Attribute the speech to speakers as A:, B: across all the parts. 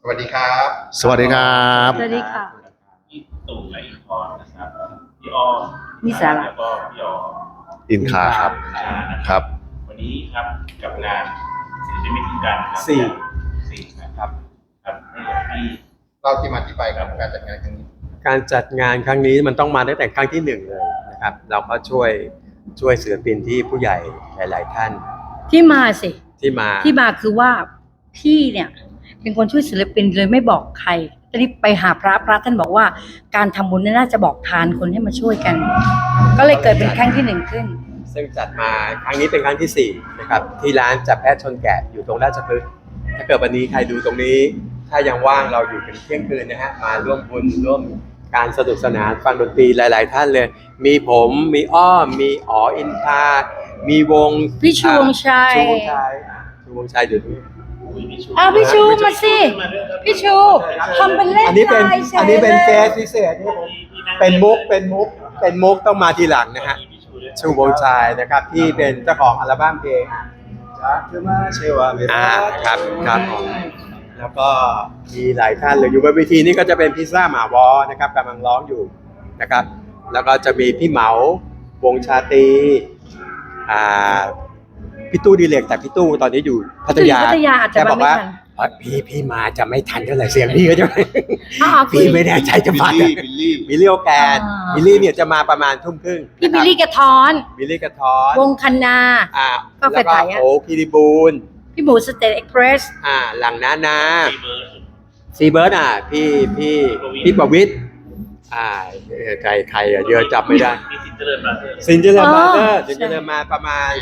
A: วัสดีครับ
B: สวัสดีครับ
C: สวัสดีค่ะ
D: พี่ตู่และอินทร์นะครับพี่อ้อม
C: นิสาระ
D: แล้วก็พี่อ๋อ
B: อินคาครับ ครับ
D: วันนี้ครับกับงานศิลปินพิการครับ
E: สี่
D: สี่นะครับครับให้กับพี่
A: เราที่มาที่ไปกับการจัดงานครั้งนี้
E: การจัดงานครั้งนี้มันต้องมาตั้งแต่ครั้งที่หนึ่งเลยนะครับเราก็ช่วยศิลปินที่ผู้ใหญ่หลาย ๆ ท่าน
C: ที่มาสิ
E: ที่มา
C: ที่มาคือว่าพี่เนี่ยเป็นคนช่วยศิลปินเลยไม่บอกใครตอนนี้ไปหาพระท่านบอกว่าการทำบุญเนี่ยน่าจะบอกทานคนให้มาช่วยกัน ก็เลยเกิดเป็นครั้งที่หนึ่งขึ้น
E: ซึ่งจัดมาครั้งนี้เป็นครั้งที่สี่นะครับที่ร้านจับแพทย์ชนแกะอยู่ตรงราชพฤกษ์ถ้าเกิดวันนี้ใครดูตรงนี้ ถ้ายังว่างเราอยู่เป็นเที่ยงคืนนะฮะมาร่วมบุญร่วมการสนุกสนานฟังดนตรีหลาย ๆ ท่านเลย มีผมมีอ้อมมีอ๋ออินทามีวง
C: พี่ชูวงชัย
E: ชูวงชัยชูวงชัยอยู่ตรงนี้
D: อุ้ยพี่ชู
C: อ้าวพี่ชูมาสิ
D: มาด้วยครับ
C: พี่ชูทำเป็นเล่น
E: อันนี้เป็น
C: ลายฉย
E: อันนี้เป็น
C: ลย
E: เฟสพิเศษนี่ผมเป็นมุกต้องมาทีหลังนะฮะ
D: พี่ชูด้วย
E: ชูวงชัยนะครับที่เป็นเจ้าของอัลบั้มเพลงจากเธอมาเชวาเวลาครับแล้วก็มีหลายท่านเลยอยู่บนเวทีนี้ก็จะเป็นพิซซ่าหมาวอนะครับกำลังร้องอยู่นะครับแล้วก็จะมีพี่เหมาวงชาตรีพี่ตู้ดีเล็กแต่พี่ตู้ตอนนี้อยู่พัทยา
C: พัทยาอาจจะ
E: แกบอกว่า
C: มาไม่ทัน
E: เอ้ยพี่มาจะไม่ทันเท่าไหร่เสียงพี่ก็จะไม่
C: อ้าวคุย
E: พี่ไม่แน่ใจจะมา
B: บิลลี่
E: โอแกน
C: อ่า
E: บิลลี่เนี่ยจะมาประมาณทุ่มครึ่ง
C: พี่บิลลี่กระท้อน
E: บิลลี่กระท้อน
C: วงคันนา ก็
E: แล้ว
C: ไป
E: ก็
C: ถ่ายอะ
E: โอ้คีรีบูล
C: พี่หมูสเตทเอ็กเพรส
E: หลังนา
D: พี่เบิร์ด
E: ซีเบิร์ดพี่ประวิตรใครเยอะจับไม่ได้
D: พี่สินเจริญมาเถอะ
E: ซินเจอร์มาเตอร์
C: อ๋อ
E: ซินเจอร์มาประมาณ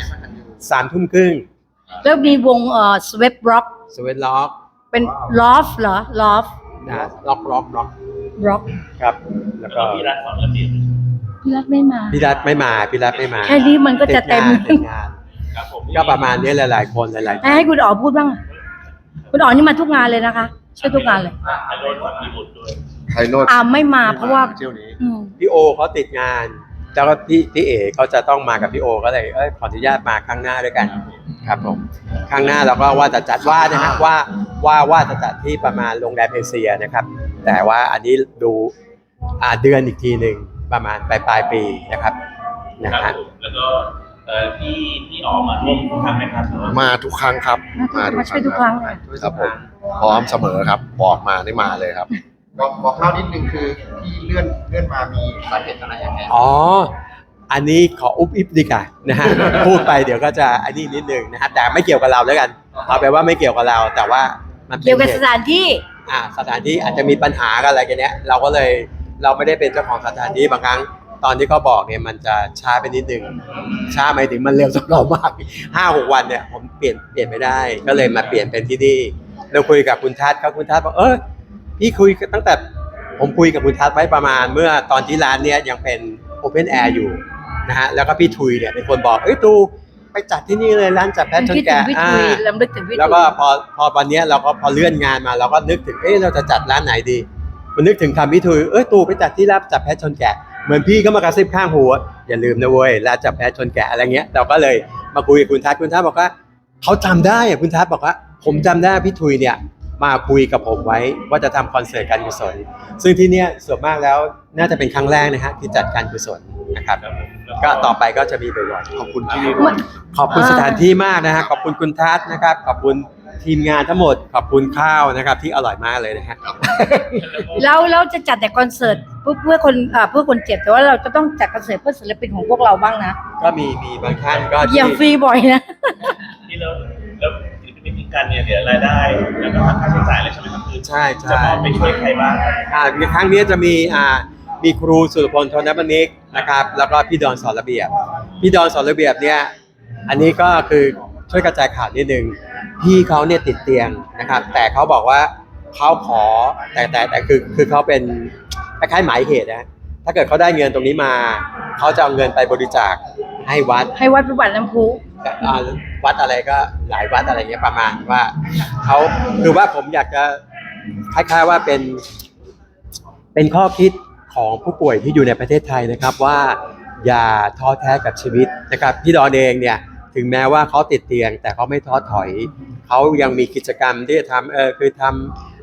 E: 3 ทุ่มครึ่ง
C: แล้วมีวงสเวปร็อก
E: สวีทล็อก
C: เป็นลอฟเหรอลอฟ
E: ล็อก
C: ร็อก
E: ครับ แล้
D: แล้ว ว
E: ก็
D: ก็พี่รัฐสอนระเบียบ
C: พี่รัฐไม่มา
E: พี่รัฐไม่มา
C: แค่นี้มันก็จะเต็ม
E: ติดงาน
D: ครับผม
E: ก็ประมาณนี้หลายๆคนหลายๆท่าน
C: ให้คุณอ๋อพูดบ้างอะคุณอ๋อนี่มาทุกงานเลยนะคะช่วยทุกงานเลย
D: ไอโดนมีบุตรด้วย
B: ไทยโนด
C: ไม่มาเพราะว่า
B: เที่ยวนี้
C: อืม
E: พี่โอเขาติดงาน แล้วก็พี่เอเขาจะต้องมากับพี่โอก็เลยขออนุญาตมาครั้งหน้าด้วยกันครับผมครั้งหน้าเราก็ว่าจะจัดนะฮะว่าจะจัดที่ประมาณโรงแรมเอเชียนะครับ แต่ว่าอันนี้ดูเดือนอีกทีหนึ่งประมาณปลายปีนะครับนะครับ ฮะ
D: ผมแล้วก็พี่อ๋อมาร่วมทุกครั้งไหมครับ
B: มาทุกครั้งครับ
C: มาช่วยทุกครั้งเลย
B: ครับผมพร้อมเสมอครับ บอกมาได้มาเลยครับ
A: บอกเล่านิดนึงคือที่เลื่อนมามีสาเหตุอะไรยังไง
E: อ๋อ อันนี้ขออุบอิบดีกว่านะฮะ พูดไปเดี๋ยวก็จะอันนี้นิดนึงนะฮะแต่ไม่เกี่ยวกับเราแล้วกันเอาไปว่าไม่เกี่ยวกับเรา แต่ว่ามันป็น
C: เกี่ยวกับ
E: หตุ
C: สถานที่
E: สถานที่อาจจะมีปัญหากันอะไรกันเนี้ยเราก็เลยเราไม่ได้เป็นเจ้าของสถานที่บางครั้งตอนที่เขาบอกเนี่ยมันจะช้าไปนิดนึงช้าหมายถึงมันเร็วสำหรับเรามาก5-6 วันเนี่ยผมเปลี่ยนไม่ได้ ก็เลยมาเปลี่ยนเป็นที่นี่เราคุยกับคุณทัศน์ครับคุณทัศน์บอกพี่คุยตั้งแต่ผมคุยกับคุณทัศน์ไว้ประมาณเมื่อตอนที่ร้านเนี้ยยังเป็นโอเพนแอร์อยู่นะฮะแล้วก็พี่ทุยเนี่ยเป็นคนบอกตูไปจัดที่นี่เลยร้านจัดแพทชน
C: คิดถึ
E: แกะ
C: งพี่ทุยลำลึกถึงพี่ทุย
E: แล้วก็พอวันเนี้ยเราก็พอเลื่อนงานมาเราก็นึกถึงเราจะจัดร้านไหนดีมันนึกถึงคำพี่ทุยตูไปจัดที่รับจับแพทชนแกะเหมือนพี่ก็มากระซิบข้างหูอย่าลืมนะเว้ยร้านจับแพทชนแกะอะไรเงี้ยเราก็เลยมาคุยกับคุณทัศน์บอกว่าเขาจำได้คุณทัศน์บอกว่าผมจำได้พี่ทุยเนี่ยมาคุยกับผมไว้ว่าจะทำคอนเสิร์ตการกุศลซึ่งที่เนี้ยส่วนมากแล้วน่าจะเป็นครั้งแรกนะฮะที่จัดการกุศลนะครับก็ต่อไปก็จะมีบ่อยๆ
B: ขอบคุณที่นี่ด้วย
E: ขอบคุณสถานที่มากนะฮะขอบคุณคุณทัศน์นะครับขอบคุณทีมงานทั้งหมดขอบคุณข้าวนะครับที่อร่อยมากเลยนะฮะ
C: เราจะจัดแต่คอนเสิร์ตเพื่อคนเจ็บแต่ว่าเราจะต้องจัดคอนเสิร์ตเพื่อศิลปินของพวกเราบ้างนะ
E: ก็มีบางท่านก็
C: เยี่ยมฟรีบ่อยนะ
D: ที่แล้วศิลปินพิการเนี่ยเดี๋ยวรายได้แล้วก็ค่าใช้จ่ายอะไรใช่ไหมครับคือ
E: ใช่
D: จะมอบไปช่วยใครบ้าง
E: ในครั้งนี้จะมีครูสุรพลธนบนิกนะครับแล้วก็พี่ดอนสอนระเบียบพี่ดอนสอนระเบียบเนี่ยอันนี้ก็คือช่วยกระจายข่าวนิดนึงพี่เขาเนี่ยติดเตียงนะครับแต่เขาบอกว่าเขาขอแต่คือเขาเป็นคล้ายๆหมายเหตุนะถ้าเกิดเขาได้เงินตรงนี้มาเขาจะเอาเงินไปบริจาคให้วัด
C: ให้วัดพิบัติน้ำพุ
E: วัดอะไรก็หลายวัดอะไรเงี้ยประมาณว่าเขาคือว่าผมอยากจะคล้ายๆว่าเป็นข้อคิดของผู้ป่วยที่อยู่ในประเทศไทยนะครับว่าอย่าท้อแท้กับชีวิตนะครับพี่ดอนเองเนี่ยถึงแม้ว่าเขาติดเตียงแต่เขาไม่ท้อถอยเขายังมีกิจกรรมที่จะทำคือท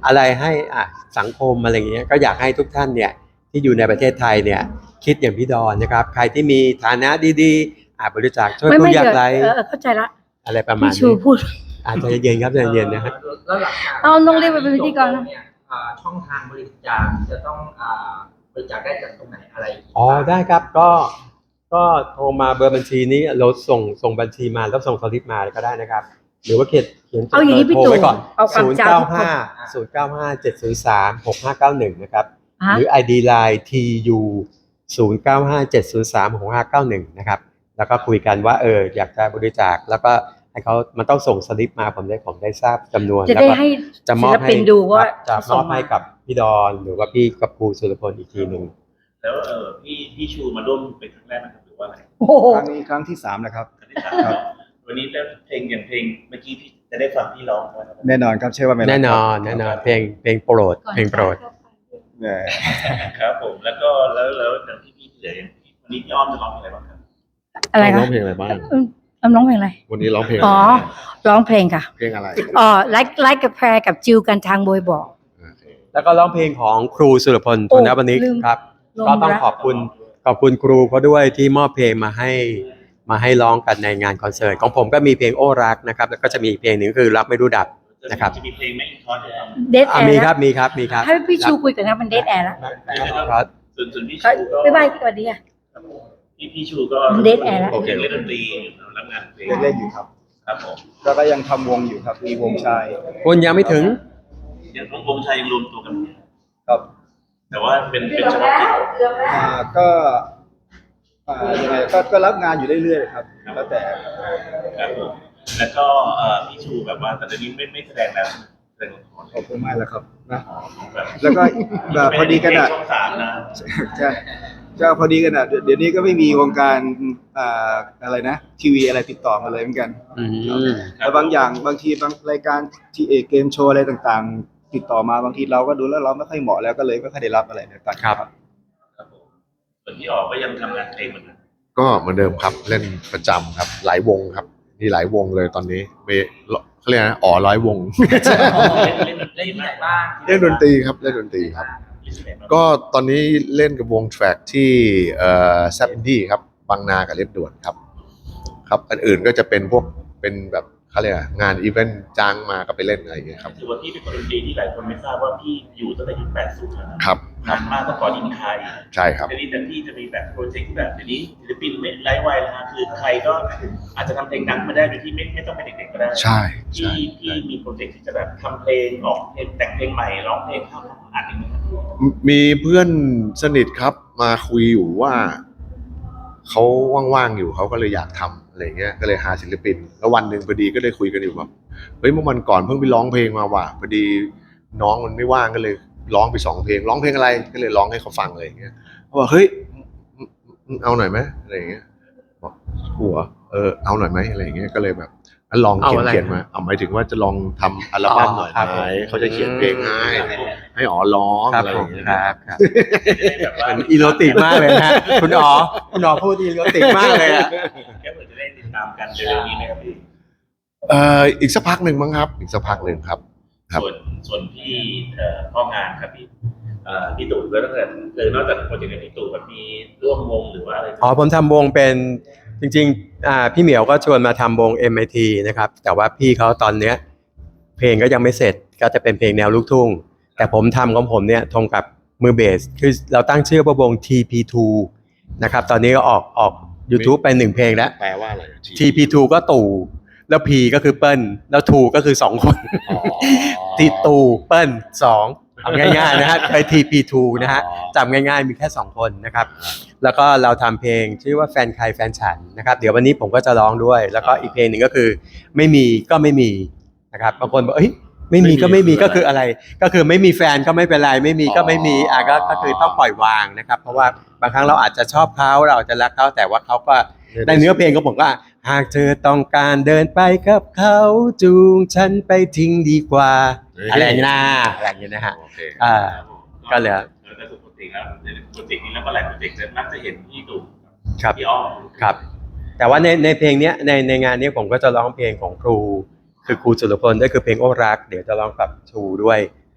E: อะไรให้สังคมอะไรอย่างเงี้ยก็อยากให้ทุกท่านเนี่ยที่อยู่ในประเทศไทยเนี่ยคิดอย่างพี่ดอนนะครับใครที่มีฐานะดีๆบริจาคช่วยผู้ยากไร้
C: เข้าใจละ
E: อะไรประมาณ
C: พี่ชู
E: นี้
C: พูด
E: อาจจะเย็นครับใจเย็นนะฮะ
A: แล้วหลังจาก
C: เอาน้องเรียกไปเป็นพิธีกรนะ
A: เนี่ยช่องทางบริจาคจะต้องบริจาคได้จากตรงไหนอะไร
E: อ๋อได้ครับก็โทรมาเบอร์บัญชีนี้เราส่งบัญชีมาแล้วส่งสลิปมาก็ได้นะครับ หรือว่าเขียน
C: เอาอย่างนี้พี่
E: โทร
C: ตู่
E: ไว้ก่อน
C: เอาความจำทุกคน
E: 095 703 6591นะครับหรือ ID Line TU 0957036591นะครับแล้วก็คุยกันว่าอยากจะบริจาคแล้วก็ให้เขามันต้องส่งสลิปมาผมได้ทราบจำนวน
C: จะ
E: แล้ว
C: ได้
E: ก็
C: ให้
E: จะม
C: ศิ
E: อบ
C: ล
E: ให้
C: ปินดูว่า
E: จะมอบให้กับพี่ดอนหรือว่าพี่กับครูสุรพลอีกทีหนึ่ง
D: แล้วพี่ชูมาร่วมเป็นครั้งแรกนะครับหรือว่าอะไร
C: โอ้โห
F: ครั้งนี้ครั้งที่ 3แล้วครับ
D: ครั้งที่สามวันนี้แล้วเพลงอย่างเพลงเมื่อกี้พี่จะได้ฟังพี่ร้องไหมครับ
F: แน่นอนครับเชื่อว่าไม่
E: แน่นอนเพลงโปรดเพลงโปรด
F: เอ่อ
D: ครับผมแล้วอย่างพี่เหลืออย่างวันนี้พี่อ้อมจะร้องเพลงอะไรบ้างครับ
C: อะไร
B: ร้
C: คะ
B: องเพลงอะไรบ้าง
C: ร้องเพลงอะไร
B: วันนี้ร้องเพลง
C: อ๋อ ร้องเพลงค่ะ
B: เพลงอะไร
C: ไลค์กับแพรกับจิวกันทางบอยบอก
B: โอเค
E: แล้วก็ร้องเพลงของครูสุรพล
C: โอ้
E: ธนวณิก
C: ลืม
E: ครับ
C: ลม
E: ก็ต้อง
C: รัก
E: ขอบคุณครูเขาด้วยที่มอบเพลงมาให้ร้องกันในงานคอนเสิร์ตของผมก็มีเพลงโอ้รักนะครับแล้วก็จะมีอีกเพลงหนึ่งคือรักไม่รู้ดับ นะครับ
D: จะมีเพลงแม่อินทอสด้วยครับ
C: เดทแอร์
E: มีครับมีครับ
C: ให้พี่ชูคุยกันนะมันเดทแอร์แล้ว
E: ครับ
D: ส่วนพี่ชูก็
C: บ๊ายบายสวัสดีค่ะ
D: พี่ชูก็
C: Dead Air แล้ว
D: โอเคเล่นดนตรีรับงานเพลง
F: เล่นอยู่ครับ
D: ครับผม
F: แล้วก็ยังทำวงอยู่ครับมีวงชาย
E: คุณยังไม่ถึง
D: ยังวงชัยยังรวมตัวกัน
F: ครับ
D: แต่ว่าเป็นเฉพาะกิจ
F: ก็ยังไงก็รับงานอยู่เรื่อยๆครับแล้วแต่
D: ครับผมแล้วก็พี่ชูแบบว่าแต่เดี๋ยวนี้ไม่แสดงแล้วแสดงละคร
F: ขอบคุณมากแล้วครับนะ
D: แบบ
F: แล้วก็แบบพอดีกันอ่ะ
D: ช่องสามนะ
F: ใช่พอดีกันอ่ะเดี๋ยวนี้ก็ไม่มีวงการอะไรนะทีวีอะไรติดต่อมาเลยเหมือนกัน
E: อืม
F: แต่บางอย่างบางทีบางรายการที่เกมโชว์อะไรต่างๆ ติดต่อมาบางทีเราก็ดูแล้วเราไม่ค่อยเหมาะแล้วก็เลยไม่ค่อยได้รับอะไรต่างๆ
E: ครับ
D: ครับผมส่วนพี่ออกก็ยังทำงานเพลงเหมือนกัน
B: ก็เหมือนเดิมครับเล่นประจำครับหลายวงครับมีหลายวงเลยตอนนี้เขาเรียกนะ100 วง
D: เล่นที่ไหนบ้าง
B: เล่นดนตรีครับเล่นดนตรีครับ
D: เล่นที่ไหนบ้าง
B: ก็ตอนนี้เล่นกับวงแทร็กที่แซปอินดี้ครับบางนากับเล็บด่วนครับครับอันอื่นก็จะเป็นพวกเป็นแบบเขาเรียกอะไรงานอีเวนต์จ้างมาก็ไปเล่นอะไรอย่างเงี้ยครับ
D: ถือว่าพี่เป็นคนดนตรีที่หลายคนไม่ทราบว่าพี่อยู่ตั้งแต่ยุค80นะครับ นานมากตั้งก่อนอินไทย
B: ใช่ครับ
D: ทีนี้แต่พี่จะมีแบบโปรเจกต์ที่แบบเดี๋ยวนี้ศิลปินไม่ไร้วัยนะฮะคือใครก็อาจจะทำเพลงดังมาได้โดยที่ไม่ต้องเป็นเด็กๆก็ได้
B: ใช่ใช่
D: พี่มีโปรเจกต์ที่จะแบบทำเพลงออกเพลงแต่งเพลงใหม่ร้องเพลงเข้าอัดอย่างนี้ยครับ
B: มีเพื่อนสนิทครับมาคุยอยู่ว่าเขาว่างๆอยู่เขาก็เลยอยากทำอะไรเงี้ยก็เลยหาศิลปิน แล้ววันหนึ่งพอดีก็เลยคุยกันอยู่แบบเฮ้ยเมื่อวันก่อนเพิ่งไปร้องเพลงมาว่ะพอดีน้องมันไม่ว่างก็เลยร้องไป2 เพลงร้องเพลงอะไรก็เลยร้องให้เขาฟังอะไรเงี้ยเขาบอกเฮ้ยเอาหน่อยไหมอะไรเงี้ยบอกหัวเอาหน่อยไหมอะไรเงี้ยก็เลยแบบงั้นลอง
E: เอาอะไร
B: เขียนมาเอาหมายถึงว่าจะลองทำอัลบั้มหน่อย
E: ครับ
B: ไหมเขาจะเขียนเพลงให้อ๋อร้อง
E: ครับ
B: อะไรอ
E: ผม
B: ย่างเงี้ย
E: ครับครับ
D: แบบว่า
E: มันอีโรติกมากเลยนะคุณอ๋อพูดอีโรติกมากเลยอะ
D: แค่เผื่อจะได้ติดตามกันเร็วๆนี้นะครับพี่
B: อีกสักพักหนึ่งมั้งครับ อีกสักพักหนึ่งครับ ครับ
D: ส่วนพี่พ่องานครับพี่ตู่ก็ตั้งแต่นอกจากโปรเจกต์ของพี่ตู่แบบมีร่วมวงหรือว่าอะไร
E: อ๋อผมทำวงเป็นจริงๆพี่เหมียวก็ชวนมาทำวง MIT นะครับแต่ว่าพี่เขาตอนเนี้ยเพลงก็ยังไม่เสร็จก็จะเป็นเพลงแนวลูกทุ่งแต่ผมทำของผมเนี่ยทงกับมือเบสคือเราตั้งชื่อว่าวง TP2 นะครับตอนนี้ก็ออก YouTube ไป1 เพลงแล้ว
B: แปลว่าอะไร
E: TP2 ก็ตู่แล้ว P ก็คือเปิ้ลแล้ว 2 ก็คือ2 คน
B: อ๋อ
E: ที่ตู่เปิ้ล2เอาง่ายๆนะฮะไป TP2 นะฮะจำง่ายๆมีแค่2 คนนะครับแล้วก็เราทำเพลงชื่อว่าแฟนใครแฟนฉันนะครับเดี๋ยววันนี้ผมก็จะร้องด้วยแล้วก็อีกเพลงหนึ่งก็คือไม่มีก็ไม่มีนะครับบางคนบอกเอ้ยไม่มีก็ไม่มีก็คืออะไรก็คือไม่มีแฟนก็ไม่เป็นไรไม่มีก็ไม่มีก็คือต้องปล่อยวางนะครับเพราะว่าบางครั้งเราอาจจะชอบเขาเราอาจจะรักเขาแต่ว่าเขาก็ในเนื้อเพลงของผมก็หากเธอต้องการเดินไปกับเขาจูงฉันไปทิ้งดีกว่าอะไรอย่างนี้นะอะไรอย่างนี้นะฮะ
B: โอเค
E: ก็เหลือ
D: แต่ปกติแล้วโปรเจกต์นี้แล้วก็หลายโปรเจกต์จะมักจะเห็นพี่ตู่
E: ครับ
D: พี่อ้อม
E: ครับแต่ว่าในเพลงเนี้ยในงานนี้ผมก็จะร้องเพลงของครูคือครูสุรพลด้วยคือเพลงโอ้รักเดี๋ยวจะร้องกับชูด้วย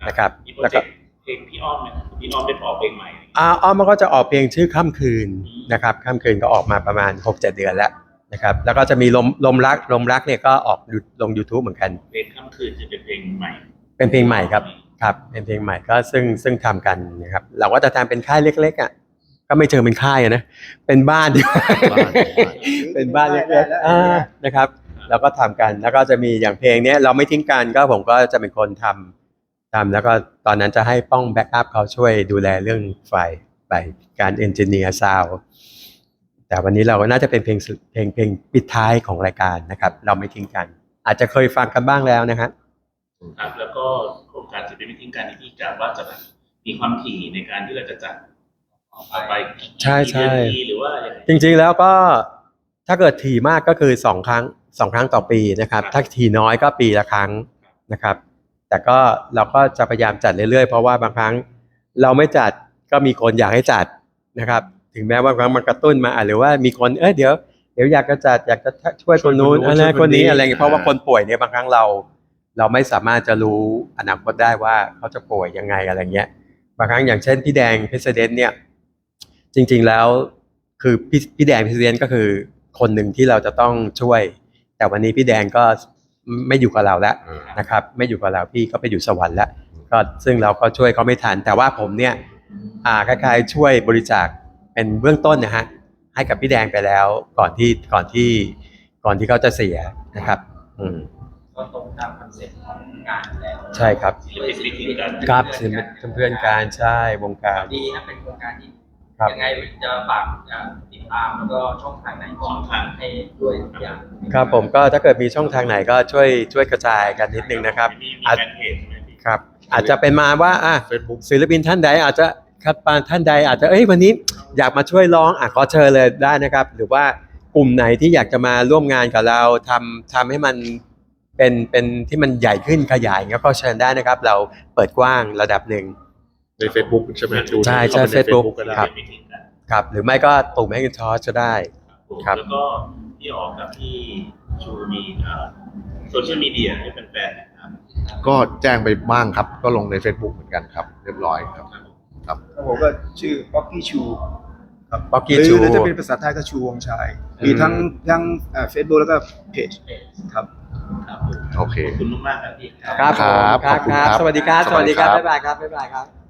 E: นะครับ
D: มีโปร
E: แล้ว
D: เจ
E: ก็
D: กต์เพลงพี่อ้อมไหมครับพี่อ้อมได้ออกเพลงใหม่
E: อ้อมมันก็จะออกเพลงชื่อค่ำคืนนะครับค่ำคืนก็ออกมาประมาณ 6-7 เดือนแล้วนะครับแล้วก็จะมีลมรักเนี่ยก็ออกลง YouTube เหมือนกัน
D: เพลงค่ำคืนจะเป็นเพลงใหม่
E: เป็นเพลงใหม่ครับเป็นเพลงใหม่ก็ซึ่งทำกันนะครับเราก็จะทำเป็นค่ายเล็กๆอ่ะก็ไม่เชิงเป็นค่ายอะนะเป็นบ้านดีกว่า เป็นบ้านเล็กๆนะครับเราก็ทำกันแล้วก็จะมีอย่างเพลงเนี้ยเราไม่ทิ้งกันก็ผมก็จะเป็นคนทำแล้วก็ตอนนั้นจะให้ป้องแบ็กอัพเขาช่วยดูแลเรื่องไฟไปการเอนจิเนียร์ซาวด์แต่วันนี้เราก็น่าจะเป็นเพลงปิดท้ายของรายการนะครับเราไม่ทิ้งกันอาจจะเคยฟังกันบ้างแล้วนะครับ
D: ครับแล้วก็โครงการจะเป็นไม่ทิ้งกันที่กะว่าจะแบบมีความถี่ในการที่เราจะจัดต่อไป
E: ใช่
D: กี่เดือนทีหรือว่าอย่างไร
E: จริงๆแล้วก็ถ้าเกิดถี่มากก็คือ2 ครั้งต่อปีนะครับถ้าถี่น้อยก็ปีละครั้งนะครับแต่ก็เราก็จะพยายามจัดเรื่อยๆเพราะว่าบางครั้งเราไม่จัดก็มีคนอยากให้จัดนะครับถึงแม้ว่าบางครั้งมันกระตุ้นมาหรือว่ามีคนเดี๋ยวอยากจะจัดอยากจะช่วยคนนู้นอะไรคนนี้อะไรเงี้ยเพราะว่าคนป่วยเนี่ยบางครั้งเราไม่สามารถจะรู้อนาคตได้ว่าเขาจะป่วยยังไงอะไรเงี้ยบางครั้งอย่างเช่นพี่แดงเพสเดนเนี่ยจริงๆแล้วคือพี่แดงเพสเดนก็คือคนหนึ่งที่เราจะต้องช่วยแต่วันนี้พี่แดงก็ไม่อยู่กับเราแล้วนะครับไม่อยู่กับเราพี่ก็ไปอยู่สวรรค์แล้วก็ซึ่งเราก็ช่วยเขาไม่ทันแต่ว่าผมเนี่ยคล้ายๆช่วยบริจาคเป็นเบื้องต้นนะฮะให้กับพี่แดงไปแล้วก่อนที่เขาจะเสียนะครับ
G: ก็ตรงตามคอนเซ็ปต์ของงานแล้ว
E: ใช่ครับ
D: ไม่ทิ้งกัน
E: ครับเพื่อนการใช่วงการ
G: ดีนะเป็นโครงการที่
E: ครับ
G: ยังไงจะฝากติดตามแล้วก็ช่องทางไหนก่อนให้ด้วยทุกอย่าง
E: ครับผมก็ถ้าเกิดมีช่องทางไหนก็ช่วยกระจายกันนิดนึงนะครับ
D: มี
E: อาจ
D: แฟนเพจใช่ไหมพี่
E: ครับอาจจะเป็นมาว่า
B: Facebook
E: ศิลปินท่านใดอาจจะครับท่านใดอาจจะวันนี้อยากมาช่วยร้องขอเชิญเลยได้นะครับ หรือว่ากลุ่มไหนที่อยากจะมาร่วมงานกับเราทำให้มันเป็นที่มันใหญ่ขึ้นขยายอย่างเงี้ยก็เชิญได้นะครับ เราเปิดกว้างระดับหนึ่ง
B: ใน Facebook ใช่ไหมดู
E: ใช่
B: เข้าไปใน
E: Facebook
B: ก็ได้
E: ครับ
D: ไม่ทิ้งกัน
E: ครับหรือไม่ก็ตุ่มแมกนทอชก็ได้ ครับ
D: แล้วก็พี่ออกกับพี่ชูมีโซเชียลมีเดียให้แฟนๆนะครับ
B: ก็แจ้งไปบ้างครับก็ลงใน Facebook เหมือนกันครับเรียบร้อยครับ
F: ครับผมก็ชื่อป๊อกกี้ชูครับ
E: Pocky
F: หรือ
E: Chu
F: หรือจะเป็นภาษาไทยก็ชูวงชัยมีทั้งเฟซบุ๊กแล้วก็เพจครับ
D: ครับ
B: โอเค
D: ขอบคุณมากๆครับพี่
E: ครับผม
B: ครับขอบคุณครับ
E: สวัสดีครับ
B: สวัสดีครับ
E: บ๊ายบายครับ